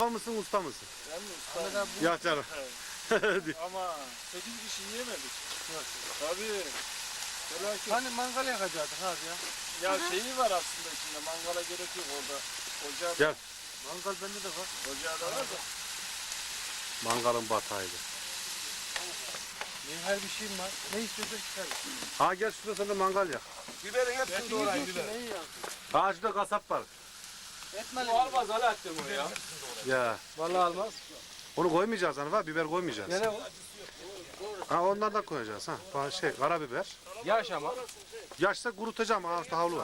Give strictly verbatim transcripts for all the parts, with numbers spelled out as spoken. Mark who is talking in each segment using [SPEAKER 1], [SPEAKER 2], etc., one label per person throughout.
[SPEAKER 1] mısın, usta mısın?
[SPEAKER 2] Ben mi usta?
[SPEAKER 1] Ya canım.
[SPEAKER 2] Ama sekiz kişi yiyemedik. Tabii. Felaket.
[SPEAKER 3] Hani mangal yakacaktık abi ya.
[SPEAKER 2] Ya şeyi var aslında içinde. Mangala gerek yok orada. Ocağı
[SPEAKER 1] Gel.
[SPEAKER 3] Mangal bende de var.
[SPEAKER 2] Ocağı da var da.
[SPEAKER 1] Mangalın batağıydı.
[SPEAKER 3] Benim her bir şeyim var. Ne istiyorsan çıkar.
[SPEAKER 1] Ha gel şurada sen de mangal yak.
[SPEAKER 3] Biberin hepsini doğrayın biber.
[SPEAKER 2] Neyi yaktın?
[SPEAKER 1] Ha şurada kasap var.
[SPEAKER 3] Etmeli.
[SPEAKER 2] Bu almaz Alaaddin bunu ya.
[SPEAKER 1] Ya.
[SPEAKER 3] Vallahi almaz.
[SPEAKER 1] Onu koymayacağız hani var, biber koymayacağız.
[SPEAKER 3] Gene o.
[SPEAKER 1] Ha onlardan koyacağız ha. Ba- Şey karabiber.
[SPEAKER 3] Yaş ama.
[SPEAKER 1] Yaşsa kurutacağım. Ha işte havlu var.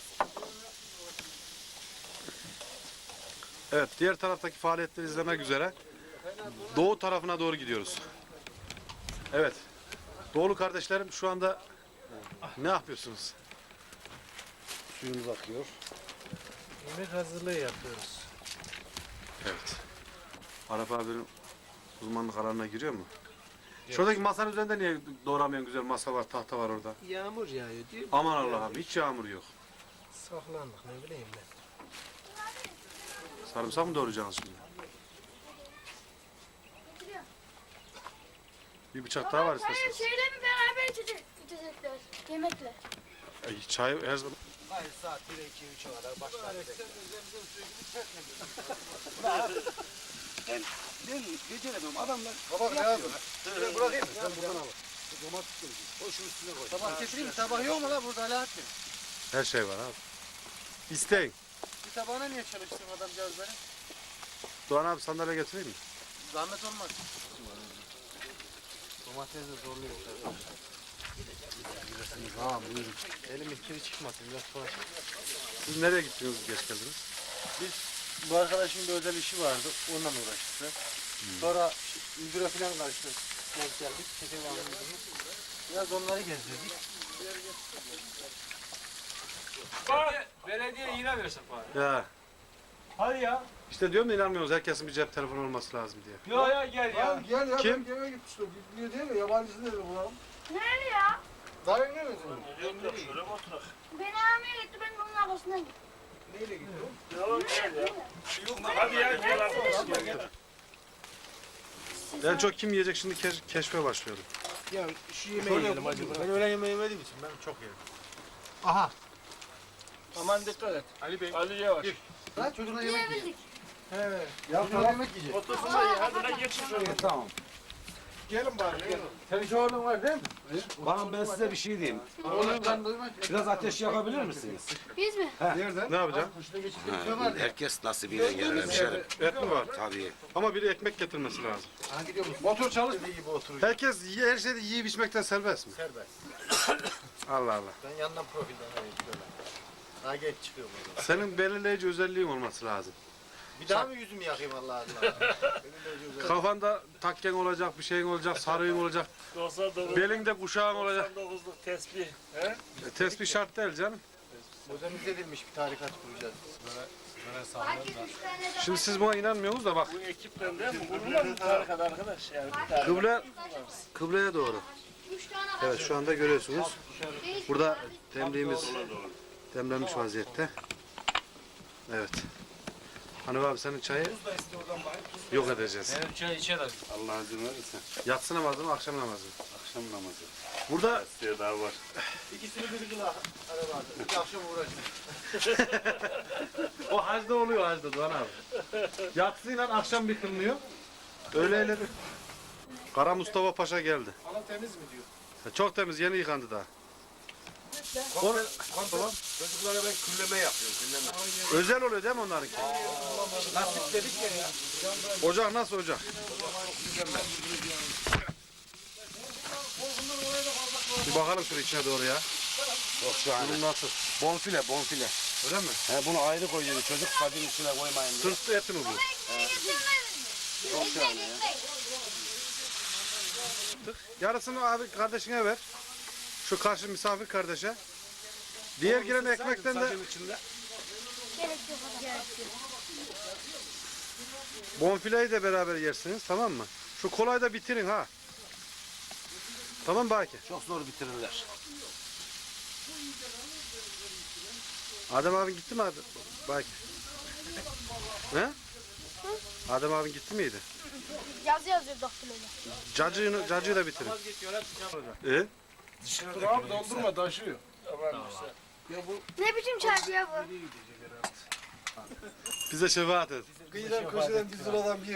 [SPEAKER 1] Evet, diğer taraftaki faaliyetleri izlemek üzere doğu tarafına doğru gidiyoruz. Evet. Doğulu kardeşlerim şu anda ne yapıyorsunuz?
[SPEAKER 3] Suyumuz akıyor. Yemek hazırlığı yapıyoruz.
[SPEAKER 1] Evet. Arap abinin uzmanlık alanına giriyor mu? Şuradaki masanın üzerinde niye doğramayan güzel masa var, tahta var orada?
[SPEAKER 3] Yağmur yağıyor diyor.
[SPEAKER 1] Aman Allah'ım hiç yağmur yok.
[SPEAKER 3] Saklandık ne bileyim ben.
[SPEAKER 1] Sarımsak mı doğrayacaksınız şimdi? Bir bıçak daha var
[SPEAKER 4] Hayır,
[SPEAKER 1] isterseniz.
[SPEAKER 4] şeyle mi beraber içecek, içecekler, yemekle.
[SPEAKER 1] Ay, çay her zaman.
[SPEAKER 3] Hayır saat bir iki üçe kadar başlar. Ben, ben beceremem adamlar. Baba ne yapıyorlar? Şuraya bırakayım mı? Sen buradan al. Domates koyacağım. Koy şunun üstüne koy. Tabak getireyim mi? Tabak yok mu la burada Alaaddin?
[SPEAKER 1] Her şey var abi. İsteyin.
[SPEAKER 3] Bir tabağına niye çalıştın adamcağız beni?
[SPEAKER 1] Doğan abi sandalye getireyim mi?
[SPEAKER 3] Zahmet olmaz. Domates de zorluyor arkadaşlar. Ha buyurun. Elimin kiri çıkmasın biraz sonra.
[SPEAKER 1] Siz nereye gittiniz geç geldiniz?
[SPEAKER 3] Biz bu arkadaşın bir özel işi vardı. Onunla uğraştık. Hmm. Sonra Üldür'e falan karıştı. Denk geldik. Çetin alındığımız. Biraz onları gezdirdik.
[SPEAKER 2] Belediye, belediye yine versin bari.
[SPEAKER 1] Ya
[SPEAKER 2] Hadi ya.
[SPEAKER 1] işte diyorum da inanmıyorsunuz herkesin bir cep telefonu olması lazım diye.
[SPEAKER 2] Yo ya gel ya.
[SPEAKER 3] Gel ya.
[SPEAKER 1] Kim?
[SPEAKER 3] Ben gene gitmiştim. Bilmiyor değil mi? Yabancısı dedi bu.
[SPEAKER 4] Nerede ya?
[SPEAKER 3] Daha ne mi senin?
[SPEAKER 2] Şöyle mi oturak?
[SPEAKER 4] Beni almaya gitti, ben de onun arkasına gittim.
[SPEAKER 3] Neyle gitti
[SPEAKER 2] Yo gel ya. Hadi ya gel arkadaş gel.
[SPEAKER 1] En çok kim yiyecek şimdi keş- keşfe başlıyorum.
[SPEAKER 3] Ya şu yemeği yiyelim hadi. Ben öğlen yemeği yemediğim için ben çok yerim. Aha.
[SPEAKER 2] Aman dikkat et. Ali Bey. Ali yavaş.
[SPEAKER 3] Lan çocuklar yemek yiyor.
[SPEAKER 4] Yiyebildik.
[SPEAKER 3] Evet. Ya tamam. Yemek yiyecek.
[SPEAKER 2] Otursun da ye. Hadi lan geçin şöyle.
[SPEAKER 3] Tamam. Gelin bari. Gelin. Senin şu orada var değil mi?
[SPEAKER 5] Bakın ben size bir şey diyeyim.
[SPEAKER 3] Onu ben duymak.
[SPEAKER 5] Biraz ateş yakabilir misiniz?
[SPEAKER 4] Biz mi?
[SPEAKER 3] Nereden?
[SPEAKER 1] Ne yapacağım?
[SPEAKER 5] Ha, herkes nasibine gelir hemşerim.
[SPEAKER 1] Et mi var?
[SPEAKER 5] Tabii.
[SPEAKER 1] Ama biri ekmek getirmesi lazım.
[SPEAKER 3] Ha gidiyor musun? Motor çalış. İyi gibi oturuyor.
[SPEAKER 1] Herkes yi- her şeyde yiyip içmekten serbest mi?
[SPEAKER 3] Serbest.
[SPEAKER 1] Allah Allah.
[SPEAKER 3] Ben yandan profilden arayayım şöyle. Daha geç çıkıyor burada.
[SPEAKER 1] Senin belirleyici özelliğin olması lazım.
[SPEAKER 3] Bir daha mı yüzümü yakayım Allah Allah? Belirleyici özellik.
[SPEAKER 1] Kafanda takken olacak, bir şeyin olacak, sarığın olacak,
[SPEAKER 2] doksan dokuz.
[SPEAKER 1] belinde kuşağın olacak.
[SPEAKER 2] doksan dokuzluk tesbih. He?
[SPEAKER 1] E, Tespih şart değil canım.
[SPEAKER 3] Modernize edilmiş bir tarikat kuracağız.
[SPEAKER 4] Belki üç tane de
[SPEAKER 1] Şimdi siz buna inanmıyorsunuz da bak.
[SPEAKER 2] Bu ekipten değil mi? Bulunmaz mı tarikat arkadaş? Yani bir tarikat.
[SPEAKER 1] Kıble, kıbleye doğru.
[SPEAKER 4] üç tane var.
[SPEAKER 1] Evet şu anda görüyorsunuz.
[SPEAKER 4] Değişik.
[SPEAKER 1] Burada demliğimiz demlenmiş vaziyette. Evet. Hanım abi senin çayı yok edeceğiz.
[SPEAKER 3] Evet çay içe de.
[SPEAKER 5] Allah izin verirse.
[SPEAKER 1] Yatsı namazı mı akşam namazı mı?
[SPEAKER 5] Akşam namazı.
[SPEAKER 1] Burada
[SPEAKER 5] Size daha var.
[SPEAKER 3] İkisini bir gün araba aldı. İki akşam uğraştık.
[SPEAKER 1] o hacda oluyor hacda Doğan abi. Yatsıyla akşam bir kılınıyor. Öğleyle bir. Kara Mustafa Paşa geldi.
[SPEAKER 3] Alan temiz mi diyor?
[SPEAKER 1] Çok temiz yeni yıkandı daha. Onu,
[SPEAKER 5] Pantolon. Çocuklara ben külleme yapıyorum. Külleme.
[SPEAKER 1] özel oluyor değil mi onlarınki?
[SPEAKER 3] Nasip dedik ya.
[SPEAKER 1] Ocak nasıl ocak? Bir bakalım şöyle içine doğru ya.
[SPEAKER 5] Çok şahane.
[SPEAKER 1] Bunun nasıl?
[SPEAKER 5] Bonfile, bonfile.
[SPEAKER 1] Öyle mi?
[SPEAKER 5] He, bunu ayrı koyuyor. Çocuk kadın içine koymayın diye.
[SPEAKER 1] Sırtlı eti mi bu?
[SPEAKER 5] Çok şahane ya.
[SPEAKER 1] Yarısını abi kardeşine ver. Şu karşı misafir kardeşe. Diğer giren ekmekten de
[SPEAKER 5] Sacın içinde.
[SPEAKER 4] Gerek yok. Gerek yok.
[SPEAKER 1] bonfileyi de beraber yersiniz tamam mı? Şu kolayı da bitirin ha. Tamam Baki.
[SPEAKER 5] Çok zor bitirirler.
[SPEAKER 1] Adem abi gitti mi abi? Baki. He? Adem abin gitti miydi?
[SPEAKER 4] Yazı yazıyor doktoruyla.
[SPEAKER 1] Cacığını, cacığı da bitirin. E?
[SPEAKER 2] Dur abi doldurma taşıyor.
[SPEAKER 4] Ne biçim çarpı ya bu?
[SPEAKER 1] Bize şefaat et.
[SPEAKER 3] Kıyıdan köşeden bir sıradan bir